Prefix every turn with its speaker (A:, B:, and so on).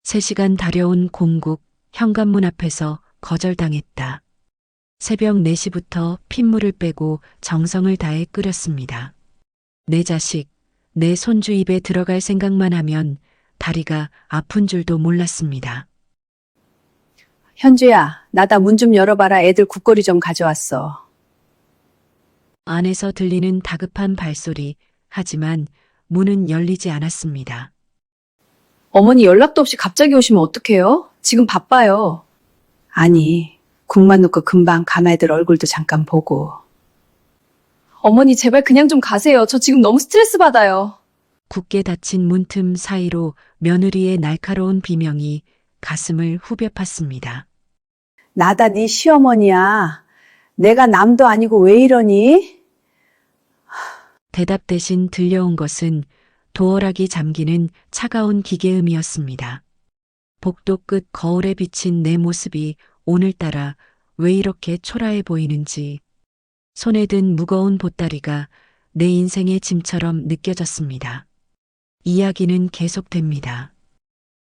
A: 3시간 달려온 공국 현관문 앞에서 거절당했다. 새벽 4시부터 핏물을 빼고 정성을 다해 끓였습니다. 내 자식, 내 손주 입에 들어갈 생각만 하면 다리가 아픈 줄도 몰랐습니다.
B: 현주야, 나다 문 좀 열어봐라. 애들 국거리 좀 가져왔어.
A: 안에서 들리는 다급한 발소리, 하지만 문은 열리지 않았습니다.
B: 어머니 연락도 없이 갑자기 오시면 어떡해요? 지금 바빠요. 아니, 국만 놓고 금방 간 애들 얼굴도 잠깐 보고. 어머니 제발 그냥 좀 가세요. 저 지금 너무 스트레스 받아요.
A: 굳게 닫힌 문틈 사이로 며느리의 날카로운 비명이 가슴을 후벼 팠습니다.
B: 나다 네 시어머니야. 내가 남도 아니고 왜 이러니?
A: 대답 대신 들려온 것은 도어락이 잠기는 차가운 기계음이었습니다. 복도 끝 거울에 비친 내 모습이 오늘따라 왜 이렇게 초라해 보이는지 손에 든 무거운 보따리가 내 인생의 짐처럼 느껴졌습니다. 이야기는 계속됩니다.